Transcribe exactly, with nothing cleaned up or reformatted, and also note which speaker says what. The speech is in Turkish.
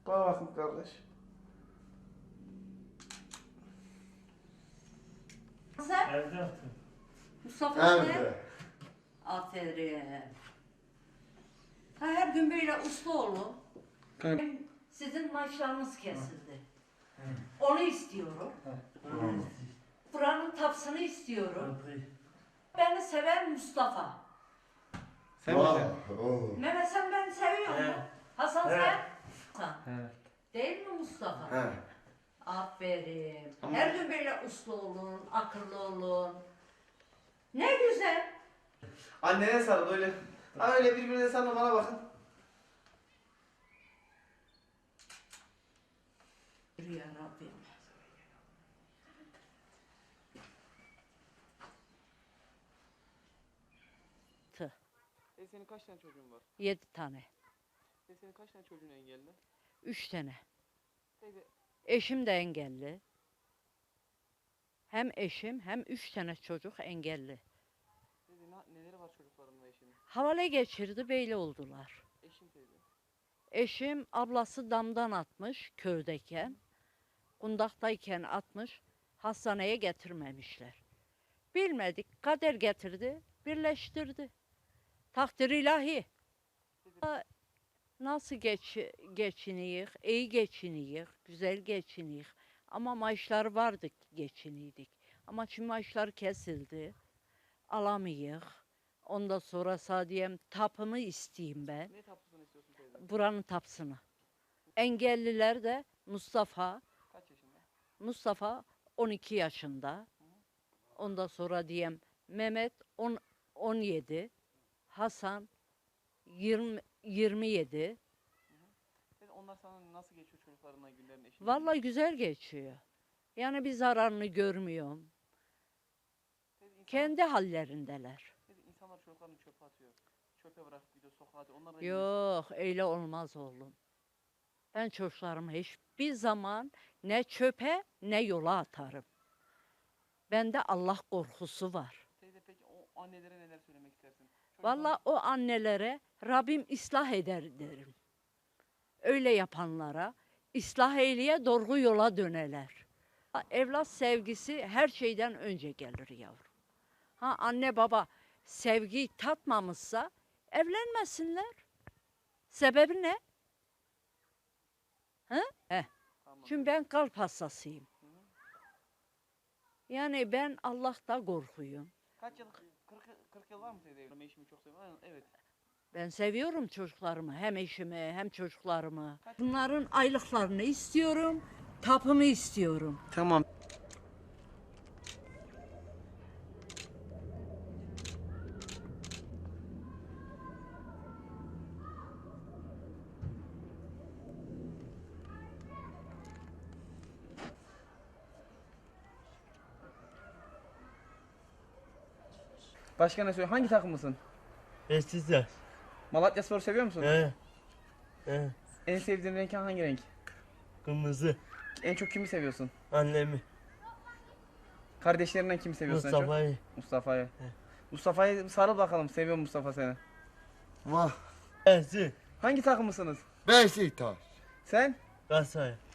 Speaker 1: Bana bakın kardeş.
Speaker 2: Sen?
Speaker 3: Evde yaptım.
Speaker 2: Mustafa sen?
Speaker 4: Evde.
Speaker 2: Aferin. Ha, her gün böyle uslu olun.
Speaker 1: Kay-
Speaker 2: Sizin maaşlarınız kesildi. Onu istiyorum.
Speaker 3: Hı.
Speaker 2: Buranın tapsını istiyorum.
Speaker 3: Kapıyı.
Speaker 2: Beni seven Mustafa.
Speaker 1: Sen
Speaker 4: Vah,
Speaker 1: misin?
Speaker 4: oh.
Speaker 2: Mehmet sen beni seviyor musun?
Speaker 3: Evet.
Speaker 2: Hasan
Speaker 3: Evet.
Speaker 2: sen? Sen.
Speaker 1: Evet.
Speaker 2: Değil mi Mustafa?
Speaker 4: He.
Speaker 2: Aferin.
Speaker 1: Ama-
Speaker 2: Her gün böyle uslu olun, akıllı olun. Ne güzel.
Speaker 1: Annene sarıl öyle. Ha öyle birbirine sarılın, bana bakın.
Speaker 2: Yürü ya Rabbim. Tı.
Speaker 5: E senin kaç tane çocuğun var?
Speaker 2: Yedi tane.
Speaker 5: E senin kaç tane çocuğun engelli?
Speaker 2: Üç tane.
Speaker 5: Teyze
Speaker 2: Eşim de engelli. Hem eşim hem üç tane çocuk engelli.
Speaker 5: teyze ne, neleri var çocuklarınla eşinin?
Speaker 2: Havale geçirdi, böyle oldular.
Speaker 5: Eşin teyze.
Speaker 2: Eşim ablası damdan atmış köydeyken. Kundaktayken atmış. Hastaneye getirmemişler. Bilmedik, kader getirdi, birleştirdi. Takdir ilahi. Ha, nasıl geç, geçiniyik, iyi geçiniyik, güzel geçiniyik. Ama maaşlar vardı ki geçiniydik. Ama şimdi maaşlar kesildi. Alamayık. Ondan sonra sadiyem tapımı isteyeyim ben.
Speaker 5: Ne tapusunu istiyorsun teyze?
Speaker 2: Buranın tapsını. Engelliler de Mustafa.
Speaker 5: Kaç yaşında?
Speaker 2: Mustafa on iki yaşında. Ondan sonra diyem Mehmet on, on yedi. Hasan yirmi, yirmi yedi.
Speaker 5: Teyze onlar sana nasıl geçiyor çocuklarınla günlerin eşinin?
Speaker 2: Vallahi güzel geçiyor. Yani bir zararını görmüyorum.
Speaker 5: Teyze, insanlar,
Speaker 2: Kendi hallerindeler.
Speaker 5: teyze, insanlar çocuklarını çöpe atıyor. Çöpe bırakıp gidiyor sokağa atıyor. Onlar da
Speaker 2: Yok öyle olmaz oğlum. Ben çocuklarımı hiçbir zaman ne çöpe ne yola atarım. Bende Allah korkusu var.
Speaker 5: Teyze peki o annelere neler söylemek istersin? Çocuklar-
Speaker 2: Vallahi o annelere Rabbim ıslah eder derim. Öyle yapanlara ıslah eyleye doğru yola döneler. Ha, evlat sevgisi her şeyden önce gelir yavrum. Ha anne baba sevgiyi tatmamışsa evlenmesinler. Sebebi ne? He? He.
Speaker 5: Tamam.
Speaker 2: Çünkü ben kalp hastasıyım. Yani ben Allah'ta korkuyum.
Speaker 5: Kaç yıl? kırk, kırk yıl var mı teyze? evlenme? Eşimi çok seviyorum. Aynen, evet.
Speaker 2: Ben seviyorum çocuklarımı, hem eşimi hem çocuklarımı. Bunların aylıklarını istiyorum, tapımı istiyorum.
Speaker 1: Tamam. Başka ne söylüyor? Hangi takımlısın?
Speaker 3: Eskizler.
Speaker 1: Malatyaspor'u seviyor musun?
Speaker 3: He. He.
Speaker 1: En sevdiğin renk hangi renk?
Speaker 3: Kırmızı.
Speaker 1: En çok kimi seviyorsun?
Speaker 3: Annemi.
Speaker 1: Kardeşlerinden kimi seviyorsun en çok?
Speaker 3: Mustafa'yı.
Speaker 1: Mustafa'yı. Mustafa'yı sarıl bakalım. Seviyor mu Mustafa seni?
Speaker 4: Vah.
Speaker 3: Eski.
Speaker 1: Hangi takımlısınız?
Speaker 4: Beşiktaş.
Speaker 1: Sen?
Speaker 3: Galatasaray.